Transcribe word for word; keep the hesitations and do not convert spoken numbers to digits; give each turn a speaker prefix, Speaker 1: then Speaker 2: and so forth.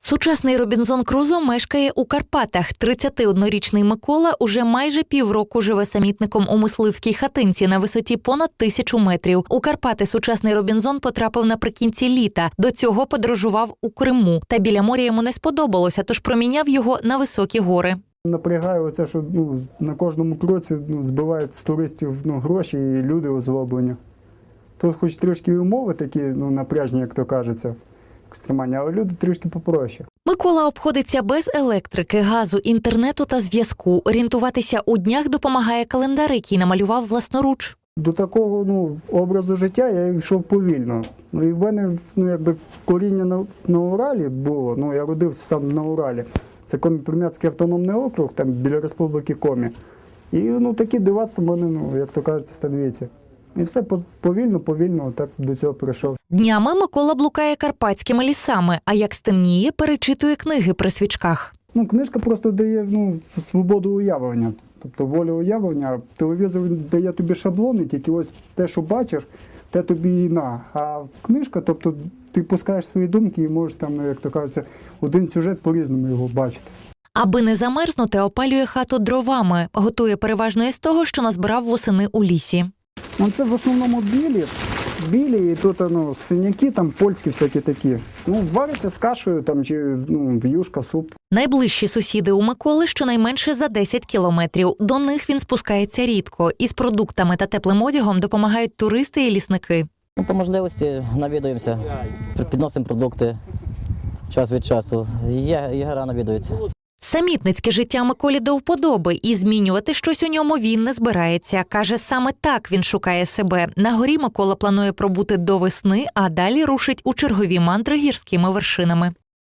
Speaker 1: Сучасний Робінзон Крузо мешкає у Карпатах. тридцятиоднорічний Микола уже майже півроку живе самітником у мисливській хатинці на висоті понад тисячу метрів. У Карпати сучасний Робінзон потрапив наприкінці літа. До цього подорожував у Криму. Та біля моря йому не сподобалося, тож проміняв його на високі гори.
Speaker 2: Напрягає оце, що ну, на кожному кроці ну, збивають з туристів ну, гроші і люди озлоблені. Тут хоч трішки умови такі ну, напряжні, як то кажеться, екстремальні, але люди трішки попроще.
Speaker 1: Микола обходиться без електрики, газу, інтернету та зв'язку. Орієнтуватися у днях допомагає календар, який намалював власноруч.
Speaker 2: До такого ну, образу життя я йшов повільно. Ну, і в мене ну, якби, коріння на, на Уралі було, ну, я родився сам на Уралі. Це Комі-Прим'ятський автономний округ, там біля Республіки Комі. І ну, такі дивацтва мене, ну, як то кажуть, становиться. І все повільно, повільно так до цього прийшов.
Speaker 1: Днями Микола блукає карпатськими лісами, а як стемніє, перечитує книги при свічках.
Speaker 2: Ну, книжка просто дає ну, свободу уявлення, тобто волю уявлення. Телевізор дає тобі шаблони, тільки ось те, що бачиш, те тобі і на. А книжка, тобто ти пускаєш свої думки і можеш там, як то кажеться, один сюжет по-різному його бачити.
Speaker 1: Аби не замерзнути, опалює хату дровами. Готує переважно із того, що назбирав восени у лісі.
Speaker 2: Ну, це в основному білі, білі і тут ну, синяки, там польські всякі такі. Ну, варяться з кашею там, чи ну, юшка, суп.
Speaker 1: Найближчі сусіди у Миколи щонайменше за десять кілометрів. До них він спускається рідко. Із продуктами та теплим одягом допомагають туристи і лісники.
Speaker 3: Ну, по можливості навідуємося, підносимо продукти час від часу. Є, єгера навідуються.
Speaker 1: Самітницьке життя Миколі до вподоби, і змінювати щось у ньому він не збирається. Каже, саме так він шукає себе. На горі Микола планує пробути до весни, а далі рушить у чергові мандри гірськими вершинами.